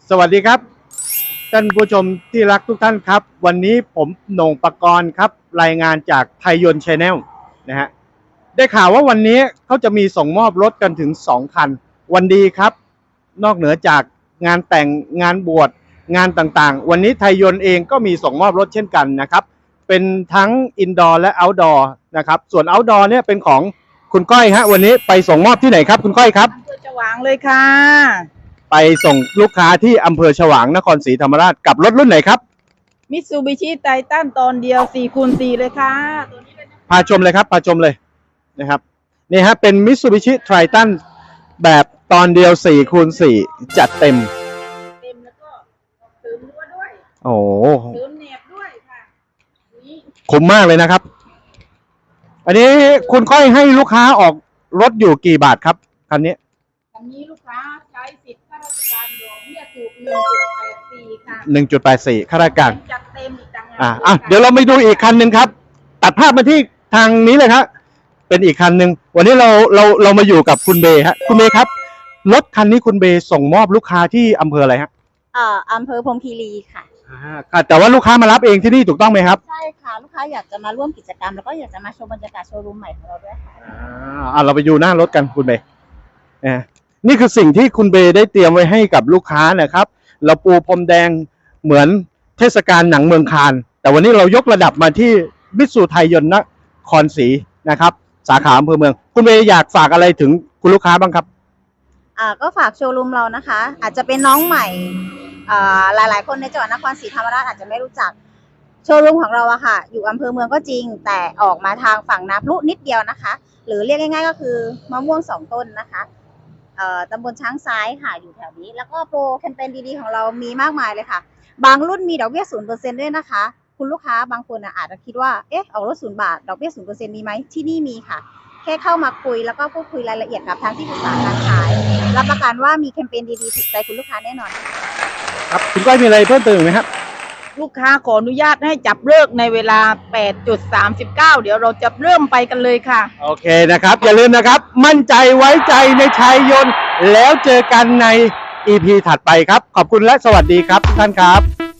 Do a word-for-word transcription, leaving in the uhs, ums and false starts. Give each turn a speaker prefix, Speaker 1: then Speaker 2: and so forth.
Speaker 1: สวัสดีครับท่านผู้ชมที่รักทุกท่านครับวันนี้ผมโหน่งปกรณ์ครับรายงานจากไทยยนต์ Channel นะฮะได้ข่าวว่าวันนี้เขาจะมีส่งมอบรถกันถึงสองคันวันดีครับนอกเหนือจากงานแต่งงานบวชงานต่างๆวันนี้ไทยยนต์เองก็มีส่งมอบรถเช่นกันนะครับเป็นทั้งอินดอร์และเอาท์ดอร์นะครับส่วนเอาท์ดอร์เนี่ยเป็นของคุณก้อยฮะวันนี้ไปส่งมอบที่ไหนครับคุณก้อยครับ
Speaker 2: อำเภอฉวางเลยค่ะ
Speaker 1: ไปส่งลูกค้าที่อำเภอฉวางนครศรีธรรมราชกับรถรุ่นไหนครับ
Speaker 2: มิตซูบิชิไททันตอนเดียว สี่คูณสี่ เลยค่ะตัวนี้เลยนะ
Speaker 1: พาชมเลยครับพาชมเลยนะครับนี่ฮะเป็น Mitsubishi Triton แบบตอนเดียว สี่คูณสี่ จัดเต็ม
Speaker 2: เต็มแล้วก็เสริมรั้วด้วย
Speaker 1: โอ้
Speaker 2: เสริมแหนบด้วยค่ะนี่
Speaker 1: คุ้มมากเลยนะครับอันนี้คุณค่อยให้ลูกค้าออกรถอยู่กี่บาทครับคันนี้
Speaker 2: อันนี้ลูกค้าใช้สิทธิ์ข้าราชการดอกเบี้ยถูก หนึ่งจุดแปดสี่ ค่ะ
Speaker 1: หนึ่งจุดแปดสี่ข้าราชการ
Speaker 2: จัดเต็มอีกต่างหาก
Speaker 1: อ่าอ่ะเดี๋ยวเราไปดูอีกคันหนึ่งครับตัดภาพมาที่ทางนี้เลยครับเป็นอีกคันหนึ่งวันนี้เราเราเรามาอยู่กับคุณเบย์ฮะคุณเบย์ครับรถคันนี้คุณเบย์ส่งมอบลูกค้าที่อำเภออะไรฮะ
Speaker 3: เอ่ออำเภอพรหมคีรีค่ะ
Speaker 1: อ่าค่ะแต่ว่าลูกค้ามารับเองที่นี่ถูกต้องไหมครับ
Speaker 3: ใช่ค่ะลูกค้าอยากจะมาร่วมกิจกรรมแล้วก็อยากจะมาชมบรรยากาศโชว์รูมใหม่ของเราด้วยค่ะ
Speaker 1: อ่าอ่าเราไปดูหน้ารถกันคุณเบย์นะนี่คือสิ่งที่คุณเบย์ได้เตรียมไว้ให้กับลูกค้านะครับเราปูพรมแดงเหมือนเทศกาลหนังเมืองคานแต่วันนี้เรายกระดับมาที่มิตซูไทยยนต์นครศรีนะครับสาขาอำเภอเมืองคุณเบย์อยากฝากอะไรถึงคุณลูกค้าบ้างครับ
Speaker 3: อ่าก็ฝากโชว์รูมเรานะคะ อาจจะเป็นน้องใหม่อ่าหลายๆคนในจังหวัดนครศรีธรรมราชอาจจะไม่รู้จักโชว์รูมของเราอะค่ะอยู่อำเภอเมืองก็จริงแต่ออกมาทางฝั่งน้ำพุนิดเดียวนะคะหรือเรียกง่ายๆก็คือมะม่วงสองต้นนะคะเอ่อตำบลช้างซ้ายค่ะอยู่แถวนี้แล้วก็โปรแคมเปญดีๆของเรามีมากมายเลยค่ะบางรุ่นมีดอกเบี้ยศูนย์เปอร์เซ็นต์ด้วยนะคะคุณลูกค้าบางคนอาจจะคิดว่าเอ๊ะออกรถศูนย์บาทดอกเบี้ยศูนย์เปอร์เซ็นต์มีไหมที่นี่มีค่ะแค่เข้ามาคุยแล้วก็พูดคุยรายละเอียดกับทางที่ปรึกษาการขายรับประกันว่ามีแคมเปญดีๆถูกใจคุณลูกค้าแน่นอน
Speaker 1: ครับคุณก้อยมีอะไรเพิ่มเติมไหมครับ
Speaker 2: ลูกค้าขออนุญาตให้จับเลิกในเวลา แปดจุดสามเก้า เดี๋ยวเราจะเริ่มไปกันเลยค่ะ
Speaker 1: โอเคนะครับอย่าลืมนะครับมั่นใจไว้ใจในชัยยนต์แล้วเจอกันใน อี พี ถัดไปครับขอบคุณและสวัสดีครับทุกท่านครับ